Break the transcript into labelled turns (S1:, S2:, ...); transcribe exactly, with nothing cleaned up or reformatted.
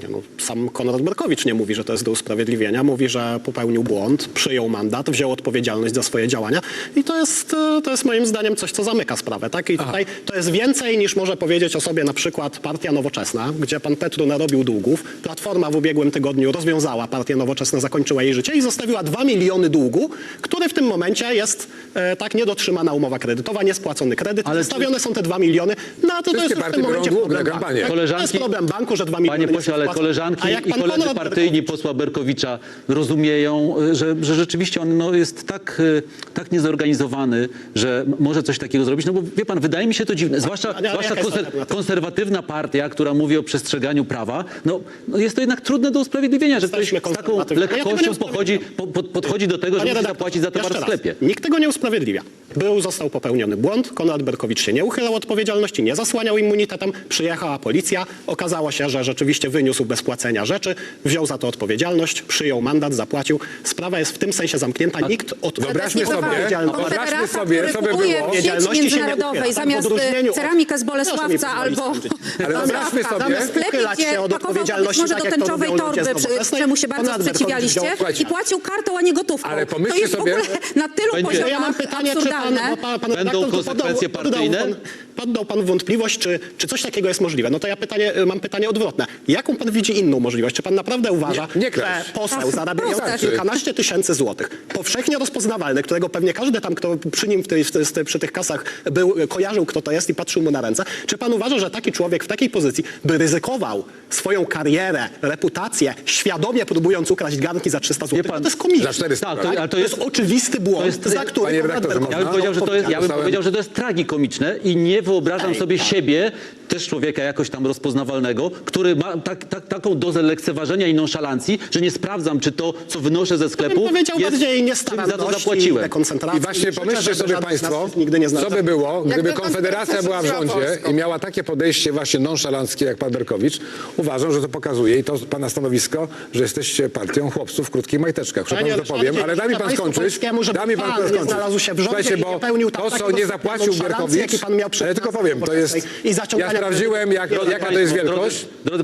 S1: Nie, no, sam Konrad Berkowicz nie mówi, że to jest do usprawiedliwienia. Mówi, że popełnił błąd, przyjął mandat, wziął odpowiedzialność za swoje działania i to jest, to jest moim zdaniem coś, co zamyka sprawę. Tak? I tutaj to jest więcej niż może powiedzieć o sobie na przykład Partia Nowoczesna, gdzie pan Petru narobił długów. Platforma w ubiegłym tygodniu rozwiązała Partię Nowoczesną, zakończyła jej życie i zostawiła dwa miliony długu, który w tym momencie jest e, tak niedotrzymana umowa kredytowa, niespłacony kredyt. Ale zostawione są te dwa miliony. No a to, to jest już w tym momencie problem banku. Tak? To jest problem banku, że dwa miliony
S2: Panie pośle, ale koleżanki i koledzy partyjni posła Berkowicza rozumieją, że, że rzeczywiście on no, jest tak, tak niezorganizowany, że może coś takiego zrobić. No bo wie pan, wydaje mi się to dziwne. Zwłaszcza, zwłaszcza konser konserwatywna partia, która mówi o przestrzeganiu prawa, no, no jest to jednak trudne do usprawiedliwienia, że ktoś z taką lekkością pochodzi, po, po, podchodzi do tego, że musi zapłacić za towar w sklepie.
S1: Nikt tego nie usprawiedliwia. Był, został popełniony błąd, Konrad Berkowicz się nie uchylał odpowiedzialności, nie zasłaniał immunitetem, przyjechała policja, okazało się, że rzeczywiście wyniósł bez płacenia rzeczy, wziął za to odpowiedzialność, przyjął mandat, zapłacił. Sprawa jest w tym sensie zamknięta, nikt od
S3: Wyobraźmy sobie, wyobraźmy sobie, co by było.
S4: W sieci międzynarodowej zamiast ceramikę z Bolesławca albo
S3: Ale wyobraźmy sobie,
S4: sklepie, gdzie pakował może do tęczowej torby, czemu się bardzo sprzeciwialiście i płacił kartą, a nie gotówką.
S3: Ale
S4: To
S3: pomyślcie
S4: jest w ogóle
S3: sobie,
S4: na tylu
S2: Będzie.
S4: poziomach
S1: Ja mam pytanie, czy pan, bo pan, pan
S2: Będą
S1: redaktor
S2: konsekwencje
S1: podał,
S2: partyjne?
S1: Podał pan, poddał pan wątpliwość, czy, czy coś takiego jest możliwe. No to ja pytanie, mam pytanie odwrotne. Jaką pan widzi inną możliwość? Czy pan naprawdę uważa,
S3: Nie- nie
S1: że
S3: kraść.
S1: poseł zarabiający
S4: Proste.
S1: kilkanaście tysięcy złotych, powszechnie rozpoznawalny, którego pewnie każdy tam, kto przy nim w tej, w tej, przy tych kasach był, kojarzył, kto to jest i patrzył mu na ręce, czy pan uważa, że taki człowiek w takiej pozycji by ryzykował swoją karierę, reputację, świadomie próbując ukraść garnki za trzysta złotych?
S2: pan-
S1: To jest komiczne.
S3: Za czterysta,
S2: Tak,
S3: tak?
S2: to, ale
S1: To jest oczywisty błąd,
S2: jest-
S1: za który
S3: Panie
S1: Konrad
S3: redaktorze,
S1: Berkowicz
S2: Ja bym powiedział, że to jest, ja bym
S3: Dostałem-
S2: powiedział, że to jest tragikomiczne i nie wyobrażam
S1: Ej,
S2: sobie
S1: tak.
S2: siebie, też człowieka jakoś tam rozpoznawalnego, który ma tak, tak, taką dozę lekceważenia i nonszalancji, że nie sprawdzam, czy to, co wynoszę ze sklepu,
S1: bym powiedział
S2: jest,
S1: bardziej
S2: czym za
S1: niestaranności
S2: to zapłaciłem.
S1: dekoncentracji.
S3: I właśnie
S1: Życzę,
S3: pomyślcie
S1: żeby
S3: sobie
S1: żaden z
S3: państwo,
S1: nas nigdy nie znalazł.
S3: co by było, gdyby
S4: Jakby pan
S3: Konfederacja
S4: profesor
S3: była w rządzie
S4: Polską.
S3: i miała takie podejście właśnie nonszalanckie jak pan Berkowicz. Uważam, że to pokazuje i to pana stanowisko, że jesteście partią chłopców w krótkich majteczkach.
S1: Panie
S3: Przepraszam, że to powiem,
S1: Ryszardzie,
S3: ale da mi
S1: życzę
S3: pan
S1: państwu
S3: skończyć.
S1: polskiemu, żeby
S3: Da mi pan
S1: pan nie
S3: skończyć.
S1: znalazł się w rządzie
S3: Słuchajcie,
S1: i nie
S3: bo
S1: pełnił tam
S3: to, co
S1: takiego
S3: nie zapłacił
S1: nonszalancji,
S3: Berkowicz,
S1: jaki pan miał przed
S3: ale tylko powiem, to jest,
S1: i zaciągania
S3: ja sprawdziłem, jak,
S1: kredytów.
S3: jaka to jest wielkość.
S2: Drodzy